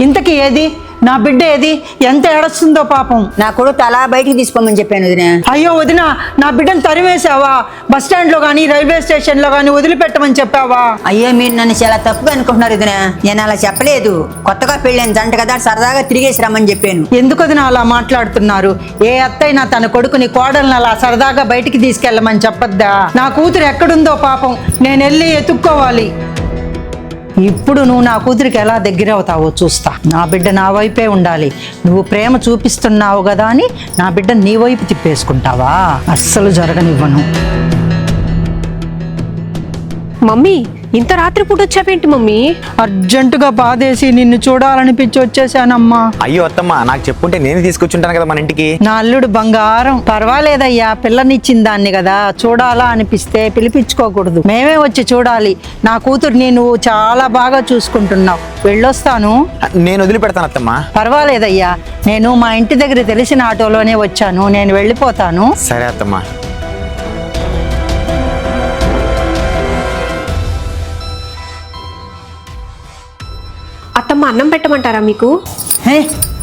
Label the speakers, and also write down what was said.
Speaker 1: ఇంతకీ ఏది నా బిడ్డ ఏది? ఎంత ఏడుస్తుందో పాపం.
Speaker 2: నా కొడుకు అలా బయటికి తీసుకోమని చెప్పాను వదిన.
Speaker 1: అయ్యో వదిన, నా బిడ్డను తరివేసావా? బస్ స్టాండ్ లో గానీ రైల్వే స్టేషన్ లో గానీ వదిలిపెట్టమని చెప్పావా?
Speaker 2: అయ్యో మీరు నన్ను చాలా తప్పుగా అనుకుంటున్నారు వదిన. నేను అలా చెప్పలేదు. కొత్తగా పెళ్ళైన జంట కదా, సరదాగా తిరిగేసి రమ్మని చెప్పాను.
Speaker 1: ఎందుకు వదిన అలా మాట్లాడుతున్నారు? ఏ అత్తైనా తన కొడుకుని కోడల్ని అలా సరదాగా బయటికి తీసుకెళ్ళమని చెప్పొద్దా? నా కూతురు ఎక్కడుందో పాపం, నేను వెళ్ళి ఎత్తుక్కోవాలి. ఇప్పుడు నువ్వు నా కూతురికి ఎలా దగ్గర అవుతావో చూస్తా. నా బిడ్డ నా వైపే ఉండాలి. నువ్వు ప్రేమ చూపిస్తున్నావు కదా అని నా బిడ్డ నీ వైపు తిప్పేసుకుంటావా? అస్సలు జరగనివ్వను.
Speaker 3: మమ్మీ, ఇంత రాత్రిపూట వచ్చావేంటి మమ్మీ?
Speaker 1: అర్జెంటుగా బాధేసి నిన్ను చూడాలనిపించి వచ్చేసానమ్మా.
Speaker 4: అయ్యో అత్తమ్మ, నాకు చెప్పుంటే నేను తీసుకొచ్చుంటాను కదా మన ఇంటికి.
Speaker 1: నా అల్లుడు బంగారం. పర్వాలేదయ్యా, పిల్లనిచ్చిన దాన్ని కదా, చూడాలా అనిపిస్తే పిలిపించుకోకూడదు, మేమే వచ్చి చూడాలి. నా కూతుర్ని నువ్వు చాలా బాగా చూసుకుంటున్నావు. వెళ్ళొస్తాను.
Speaker 4: నేను వదిలిపెడతాను అత్తమ్మ.
Speaker 1: పర్వాలేదయ్యా, నేను మా ఇంటి దగ్గర తెలిసిన ఆటోలోనే వచ్చాను, నేను వెళ్ళిపోతాను.
Speaker 4: సరే అత్తమ్మ.
Speaker 3: అత్తమ్మ, అన్నం పెట్టమంటారా మీకు?
Speaker 1: హే